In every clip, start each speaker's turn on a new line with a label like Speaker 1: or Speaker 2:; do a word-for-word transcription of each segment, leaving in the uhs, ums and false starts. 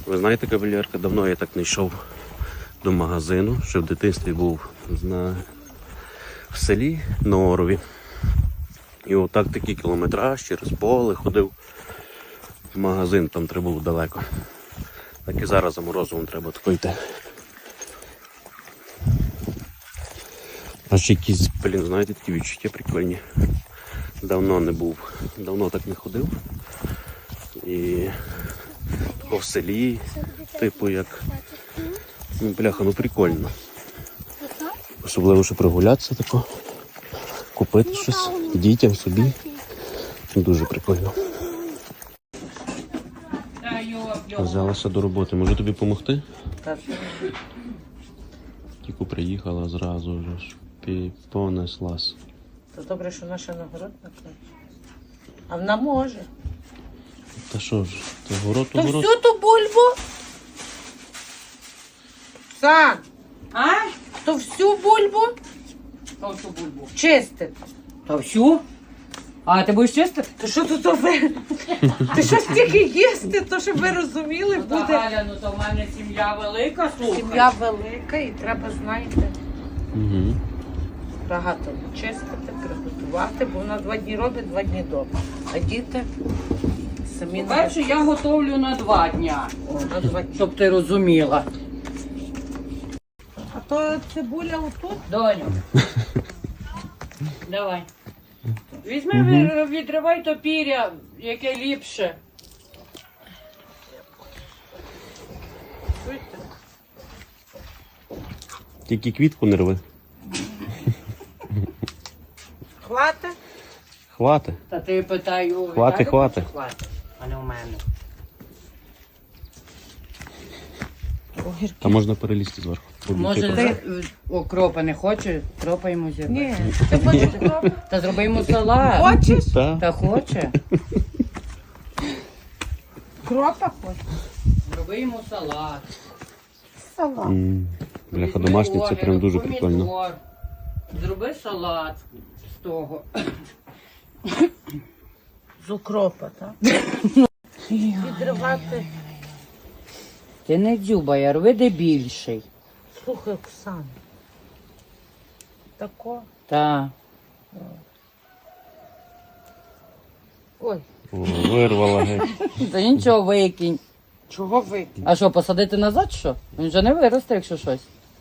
Speaker 1: Ви знаєте, кавалерка, давно я так не йшов до магазину, що в дитинстві був на... в селі на Орові. І отак такий кілометраж через поле ходив в магазин, там треба було далеко. Так і зараз за морозивом треба тако йти. Аж якісь, блін, знаєте, такі відчуття прикольні. Давно не був, давно так не ходив. І тако в селі, типу як, ну бляха, ну прикольно. Особливо, що прогулятися тако, купити щось дітям, собі. Дуже прикольно. Взялася до роботи. Можу тобі допомогти?
Speaker 2: Так.
Speaker 1: Тільки приїхала зразу вже, понеслась.
Speaker 2: То добре, що наша нагород накличе. А вона може.
Speaker 1: Та що ж, то город, то
Speaker 2: То
Speaker 1: город.
Speaker 2: всю ту бульбу? Сан,
Speaker 3: А?
Speaker 2: то всю бульбу
Speaker 3: Та всю бульбу.
Speaker 2: чистити.
Speaker 3: Та всю? А ти будеш чистити?
Speaker 2: То що тут ви? Ти що стільки їсти, то щоб ви розуміли,
Speaker 3: Ну, та,
Speaker 2: буде
Speaker 3: Галя, ну то в мене сім'я велика, слухай.
Speaker 2: сім'я велика і треба, знаєте,
Speaker 1: Угу.
Speaker 2: багато чистити, приготувати, бо вона два дні робить, два дні дома. А діти самі
Speaker 3: По-перше, я готовлю на два дня,
Speaker 2: О, на два дні.
Speaker 3: щоб ти розуміла.
Speaker 2: А то цибуля отут.
Speaker 3: Доню. Давай. Візьми, ви- відривай то піря, яке ліпше.
Speaker 2: Чуєте?
Speaker 1: Тільки квітку не рви.
Speaker 2: Хвати?
Speaker 1: Хвати.
Speaker 3: Та ти питаю, у
Speaker 1: Хвати,
Speaker 3: Віталіка
Speaker 1: хвати.
Speaker 3: чи хвати, а не у мене.
Speaker 1: Та можна перелізти зверху.
Speaker 3: Може,
Speaker 1: Обійти
Speaker 3: ти окропа не хоче, кропа йому зірве.
Speaker 2: Ні. Ти хочеш кропу?
Speaker 3: Та зроби йому салат.
Speaker 2: Хочеш?
Speaker 1: Та.
Speaker 3: Та хоче.
Speaker 2: Кропа хочеш?
Speaker 3: Зроби йому салат.
Speaker 2: Салат.
Speaker 1: М, Бляха,
Speaker 3: Візьми
Speaker 1: домашнє, це
Speaker 3: огірок,
Speaker 1: прям дуже
Speaker 3: помідор.
Speaker 1: прикольно.
Speaker 3: Зроби салат з того.
Speaker 2: З укропа, так? Відривати.
Speaker 3: Ти не дзюбай, а рви де більший.
Speaker 2: Слухай, Оксана. Тако.
Speaker 3: Та.
Speaker 2: Ой,
Speaker 1: О, вирвала геть.
Speaker 3: Та нічого викинь.
Speaker 2: чого ви?
Speaker 3: А що, посадити назад що? Він вже не виросте, якщо щось.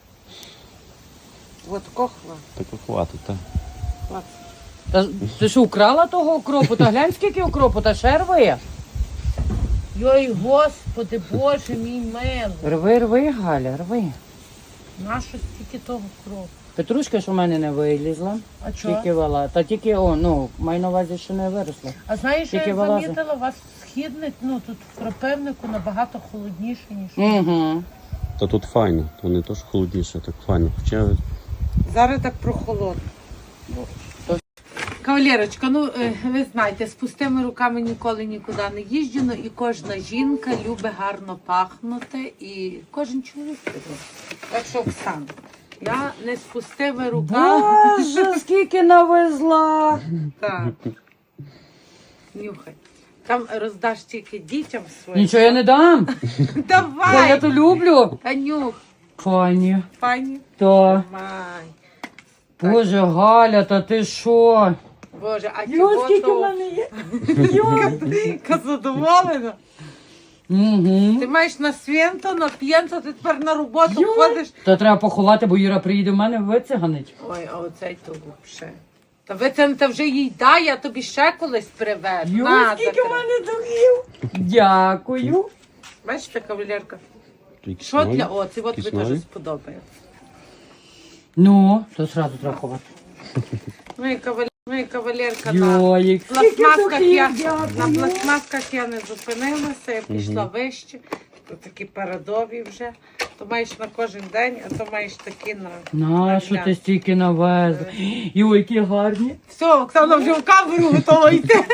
Speaker 2: От кохла.
Speaker 1: Так хватить, так.
Speaker 2: Хват.
Speaker 3: Та ти що, украла того окропу? Та глянь, скільки окропу, та ще рви.
Speaker 2: Йой, господи, Боже мій милий.
Speaker 3: Рви, рви, Галя, рви.
Speaker 2: Нащо стільки того кропу?
Speaker 3: Петрушка ж у мене не вилізла.
Speaker 2: А чого?
Speaker 3: Тільки вала. Та тільки, о, ну, маю на увазі, що не виросла.
Speaker 2: А знаєш, що
Speaker 3: Тільки
Speaker 2: я
Speaker 3: вилазить.
Speaker 2: замітила, у вас східник, ну тут в Кропивнику набагато холодніше, ніж.
Speaker 3: Угу.
Speaker 1: Та тут файно, то не то, що холодніше, так файно. Хоча
Speaker 2: Зараз так прохолодно. Кавалерочка, ну е, ви знаєте, з пустими руками ніколи нікуди не їжджу, ну і кожна жінка любить гарно пахнути, і кожен чоловік любить. Так що, Оксана, я не з пустими руками.
Speaker 3: Боже, скільки навезла.
Speaker 2: Так. Нюхай. Там роздаш тільки дітям своїм.
Speaker 3: Нічого я не дам. Бо я
Speaker 2: Давай!
Speaker 3: то люблю.
Speaker 2: Та нюх,
Speaker 3: Пані,
Speaker 2: пані.
Speaker 3: то.
Speaker 2: Давай.
Speaker 3: Боже, Галя, та ти що?
Speaker 2: Боже, а
Speaker 3: Йо,
Speaker 2: чого
Speaker 3: скільки в
Speaker 2: то?
Speaker 3: мене є. Йо.
Speaker 2: Яка задоволена.
Speaker 3: Угу.
Speaker 2: Ти маєш на свято, на п'єнто, ти тепер на роботу
Speaker 3: Йой.
Speaker 2: ходиш.
Speaker 3: Та треба поховати, бо Іра приїде в мене вициганить.
Speaker 2: Ой, а оцей то взагалі. Та ви це та вже їй дай, я тобі ще колись привезу.
Speaker 3: Йо,
Speaker 2: На,
Speaker 3: скільки
Speaker 2: забери.
Speaker 3: в мене духів. Дякую.
Speaker 2: Бачите, кавалерка?
Speaker 1: якісь
Speaker 2: Що
Speaker 1: нові,
Speaker 2: для оці? От
Speaker 1: якісь
Speaker 2: ви
Speaker 1: нові.
Speaker 2: теж сподобається.
Speaker 3: Ну, то одразу треба ховати.
Speaker 2: Ну і кавалерка, ну і кавалерка на
Speaker 3: Йоїк, скільки
Speaker 2: пластмасках я,
Speaker 3: духів,
Speaker 2: на
Speaker 3: дякую.
Speaker 2: пластмасках я не зупинилася, я пішла вище. То такі парадові вже. То маєш на кожен день, а то маєш такі на...
Speaker 3: На, що ти стільки навезла. Йой, які гарні.
Speaker 2: Все, Оксана вже в камеру готова йти.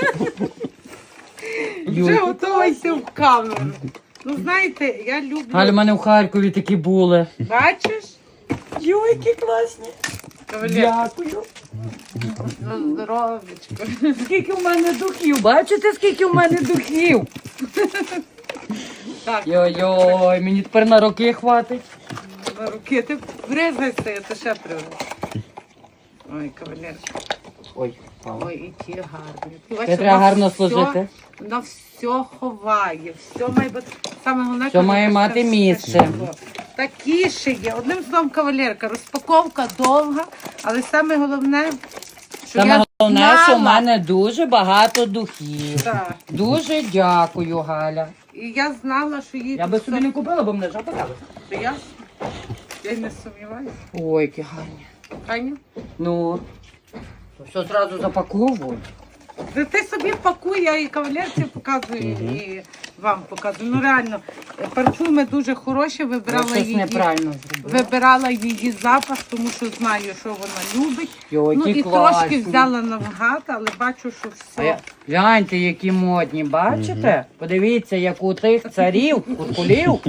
Speaker 2: Вже
Speaker 3: Йой,
Speaker 2: готова йти в камеру. Ну, знаєте, я люблю...
Speaker 3: Галя, в мене в Харкові такі були.
Speaker 2: Бачиш?
Speaker 3: Йой, які класні.
Speaker 2: Кавалерка,
Speaker 3: Дякую.
Speaker 2: ну, здоровечко.
Speaker 3: Скільки в мене духів. Бачите, скільки в мене духів?
Speaker 2: Так,
Speaker 3: Йой-йой, мені тепер на роки хватить.
Speaker 2: на руки ти бризгайся, я то ще приведу. Ой, кавалерка.
Speaker 3: Ой, впала.
Speaker 2: Ой, і ті гарні. Ти
Speaker 3: Це
Speaker 2: бачиш,
Speaker 3: треба
Speaker 2: вона
Speaker 3: гарно
Speaker 2: все-
Speaker 3: служити.
Speaker 2: Вона все ховає, все має бути. Саме головне,
Speaker 3: Все має
Speaker 2: кавалерка,
Speaker 3: мати
Speaker 2: все
Speaker 3: місце.
Speaker 2: широко. Такі ще є. Одним словом, кавалерка, розпаковка довга, але саме головне, що
Speaker 3: Саме
Speaker 2: я
Speaker 3: головне,
Speaker 2: знала,
Speaker 3: що в мене дуже багато духів.
Speaker 2: Так.
Speaker 3: Дуже дякую, Галя.
Speaker 2: І я знала, що їй
Speaker 3: Я би собі не купила, бо мене жаба дала.
Speaker 2: не я. Я й не сумніваюся.
Speaker 3: Ой, які гарні.
Speaker 2: Аня?
Speaker 3: Ну, то все одразу запаковую.
Speaker 2: Та ти собі пакуй, я і кавалерці показую, і вам показую. Ну реально, парфуми дуже хороші,
Speaker 3: Я
Speaker 2: вибирала
Speaker 3: щось
Speaker 2: її.
Speaker 3: неправильно зробила.
Speaker 2: Вибирала її запах, тому що знаю, що вона любить.
Speaker 3: Йой,
Speaker 2: Ну
Speaker 3: які
Speaker 2: і
Speaker 3: класні.
Speaker 2: трошки взяла навгад, але бачу, що
Speaker 3: А я-
Speaker 2: все.
Speaker 3: Гляньте, які модні, бачите? Подивіться, як у тих царів, куркулів.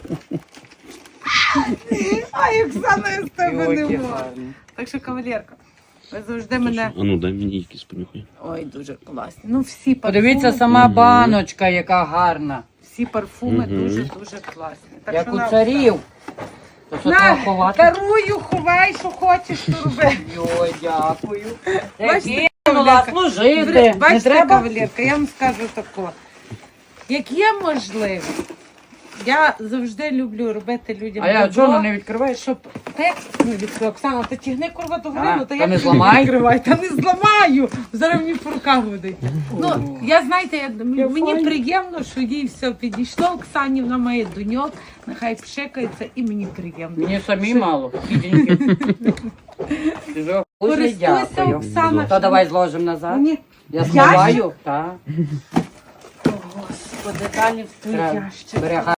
Speaker 2: Ай, Оксана, я з тебе
Speaker 3: Йой,
Speaker 2: не
Speaker 3: які
Speaker 2: можу.
Speaker 3: гарні.
Speaker 2: Так що, кавалерка, ви завжди мене.
Speaker 1: А ну дай мені якісь понюхай.
Speaker 2: Ой, дуже класні. Ну всі парфуми,
Speaker 3: Подивіться, сама баночка, яка гарна.
Speaker 2: всі парфуми
Speaker 1: Мгм.
Speaker 2: дуже дуже класні. Так
Speaker 3: Як
Speaker 2: що
Speaker 3: у
Speaker 2: на,
Speaker 3: царів. То що треба
Speaker 2: На,
Speaker 3: ховати?
Speaker 2: дарую, ховай, що хочеш, то роби.
Speaker 3: Йой, дякую.
Speaker 2: Бачите,
Speaker 3: Кинула
Speaker 2: кавалерка?
Speaker 3: служити. Не
Speaker 2: Бачите,
Speaker 3: треба?
Speaker 2: кавалерка, я вам скажу тако. Як є можливість, я завжди люблю робити людям
Speaker 3: А я
Speaker 2: добро,
Speaker 3: чого не відкриваєш?
Speaker 2: щоб ти, ну, відкрив, Оксана, ти тягни курва до
Speaker 3: А,
Speaker 2: грину, та
Speaker 3: та
Speaker 2: я
Speaker 3: не
Speaker 2: тобі
Speaker 3: зламай.
Speaker 2: відкриваю, та не зламаю. Зараз мені по руках буде. Ну, я знаєте, я, м- мені
Speaker 3: файна.
Speaker 2: приємно, що їй все підійшло. Оксані, вона має доньок, нехай пшикається, і мені приємно.
Speaker 3: Мені самі мало. Бідненькі. Дуже
Speaker 2: Користуйся,
Speaker 3: дякую.
Speaker 2: Оксана.
Speaker 3: То давай зложимо назад.
Speaker 2: Ні.
Speaker 3: Я сховаю. Так.
Speaker 2: О, Господи, далі в той
Speaker 3: Треба.
Speaker 2: ящик.
Speaker 3: Бери